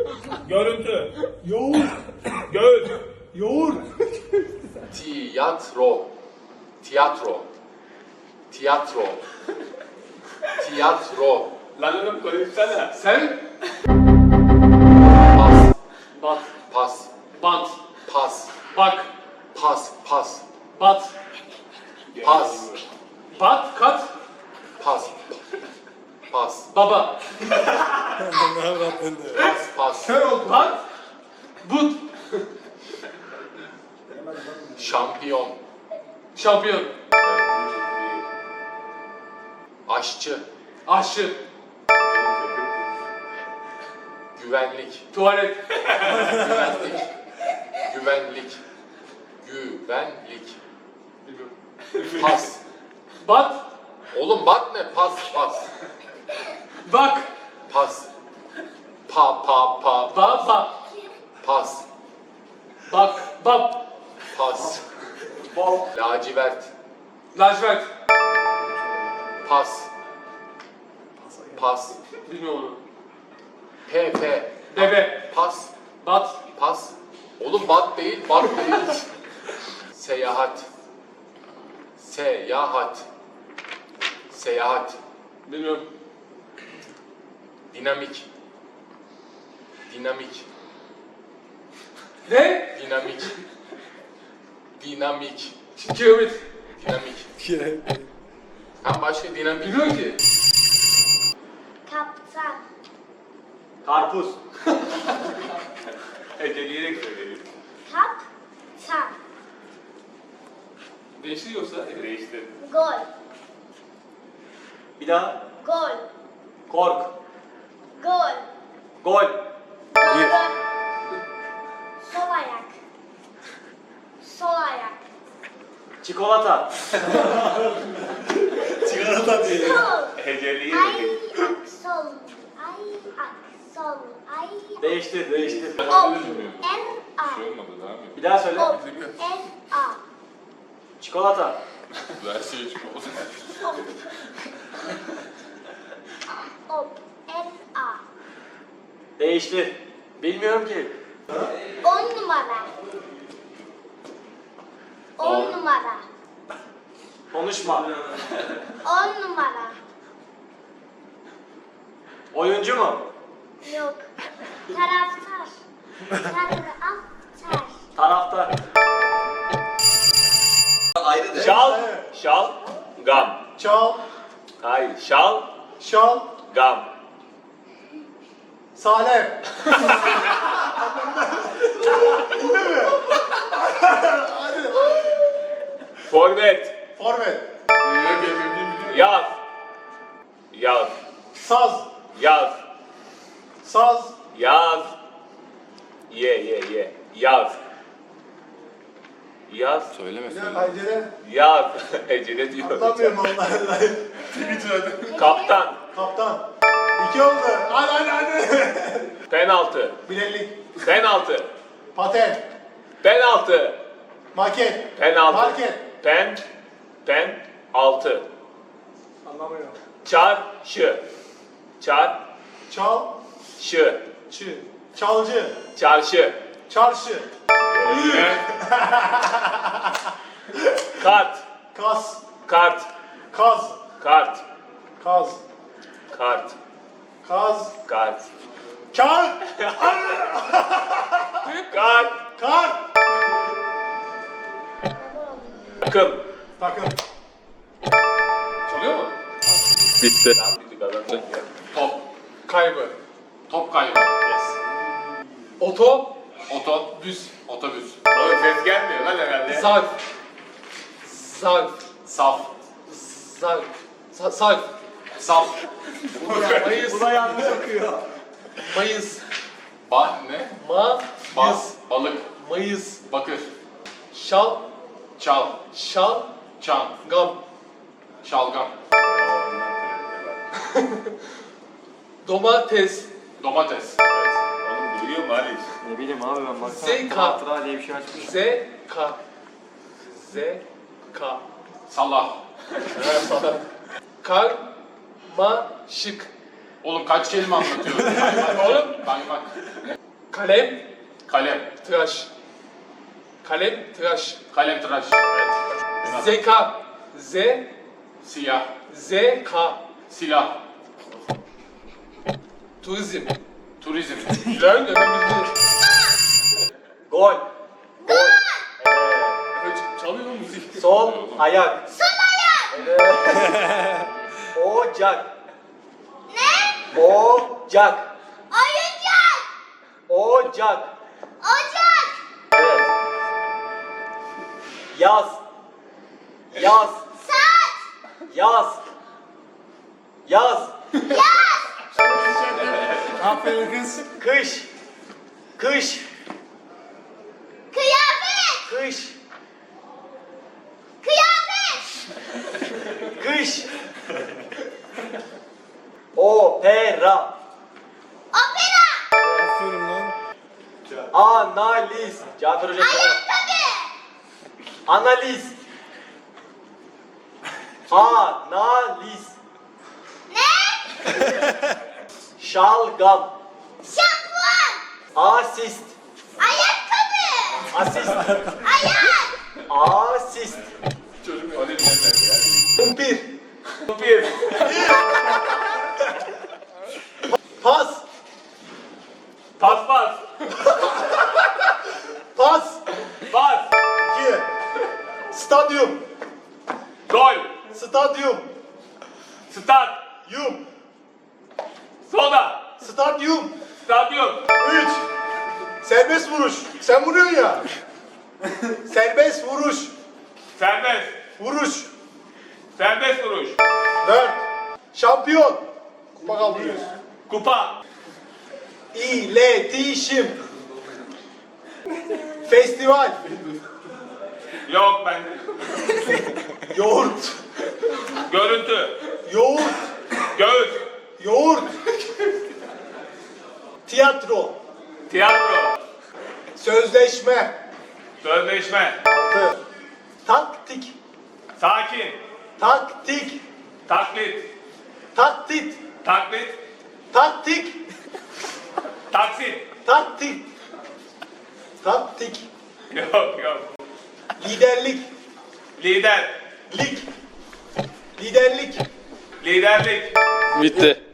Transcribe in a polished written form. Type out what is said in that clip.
Görüntü. Yoğurt. Göz. Yoğurt. Tiyatro. Tiyatro. Tiyatro. Tiyatro. Lan oğlum konuşsana. Sen. Pas. Bat. Pas. Bant. Pas. Bak. Pas. Pas. Bat. Pas. Bat. Kat. Pas. Pas. Baba. Pas. Pas. Kör ol. Bat. But. Şampiyon. Şampiyon. Aşçı. Aşçı. Güvenlik. Tuvalet. Güvenlik. Güvenlik. Güvenlik. Pas. Bat. Oğlum bak ne? Pas. Pas. Bak. Pas. Pa. Baba. Pas. Bak. Bab. Pas. Lacivert. Lacivert. Pas. Pas. Bilmiyorum onu. P. Bebe. Pas. Bat. Pas. Oğlum bat değil, bat değil. Seyahat. Seyahat. Seyahat. Bilmiyorum. Dinamik. Dinamik. Ne? Dinamik. Dinamik. Kilometre. Dinamik. Ha başka dinamik. Bilmiyorum ki. Kaptan. Karpuz. Eceleyerek söyleyeyim. Kaptan. Değişti yoksa? Değiştir. Gol. Bir daha. Gol. Kork. Gol. Gol. Doğru. Sol ayak. Sol ayak. Çikolata. Çikolata diye. Sol. Eceleyerek. Ayak. Sol. Ayak. Sol. Ayak. Değiştir. Değiştir. Op. R-A. Olmadı daha mı? Bir daha söyle. Op. R-A. Çikolata. Versiye çıkmadı. Op. Op. R-A. Değiştir. Bilmiyorum ki. 10 numara. 10 numara. Konuşma. 10 numara. Oyuncu mu? Yok. Taraftar. Taraftar. Taraftar. Şal, şal, gam. Çal. Hayır, şal, Şal. gam. Salep. Forvet, Forvet. yaz, yaz, Saz. yaz, Saz. yaz. Ye, yaz. Yaz, Söyleme Bir de pencere. yaz. Ecele diyor. Anlamıyorum onları. Kaptan, Kaptan. 2 oldu. Hadi. penaltı, Bileklik. penaltı, Paten. penaltı, Maket. penaltı, Market. altı, Anlamıyorum. çarşı, Çal. çarşı, Çı. Çalcı. çarşı, Çarşı. kart, Kas. kart, Kaz. kart, Kaz. kart, Kaz. kart, Kar. kart, Kar. takım. Takım. Çalıyor mu? Bitti. Top. Kaybı. Top kaybı. Yes. Oto. Otobüs. Otobüs. Oğlum ses gelmiyor lan herhalde. Zarf. Zarf. Saf. Zarf. Sarf. Saf. Mayıs. Bu da yanlış okuyor. Mayıs. Ne? Mayıs. Balık. Mayıs. Bakır. Şal. Çal. Şal. Çam. Gam. Şalgam. Domates. Domates. Oğlum duyuyor mu Ali? Ne bileyim abi ben baksana. Zeka. Hatıra diye bir şey açmışım. Zeka. Zeka. Salah. Karmaşık. Oğlum kaç kelime anlatıyorsun? Kaymak. Oğlum. Kaymak. Kalem. Kalem. Tıraş. Kalem. Tıraş. Kalem tıraş. Zeka. Z. Siyah. Zk. Silah. Turizm. Turizm. Güzel. Hemen bildi. Gol. Gol. Evet, çalıyor lan müzik. Sol ayak. Sol ayak. Evet. Ocak. Ne? Ocak. Oyuncak. Ocak. Ocak. Evet. Yaz. Yaz. Saat. Yaz. Yaz. Aferin kız. Kış. Kış. Kıyafet. Kış. Kıyafet. Kış. Opera. Opera. Aferin lan. Analiz. Cafer Hoca. Ayakkabı. Analiz. Analiz. Ne? Şalgam. Şampuan. Asist. Ayakkabı. Asist. Ayak. Asist. Çocuk öyle bilemez ya. Kumpir. Kumpir. Pas. Pas pas. Pas. Pas. 2. Stadyum. Gol. Stadyum. Stat. Yum. Soda. Stadyum. Stadyum. 3. Serbest vuruş. Sen vuruyorsun ya. Serbest vuruş. Serbest. Vuruş. Serbest vuruş. 4. Şampiyon. Kupa kaldırıyoruz. Kupa. İletişim. Festival. Yok bende. Yoğurt. Görüntü. Yoğurt. Göğüs. Yoğurt. Tiyatro. Tiyatro. Sözleşme. Sözleşme. 6. Taktik. Sakin. Taktik. Taklit. Taktit. Taklit. Taktik. Taksit. Taktik. Taktik. Yok yok. Liderlik. Lider. Lig. Liderlik. Liderlik. Bitti.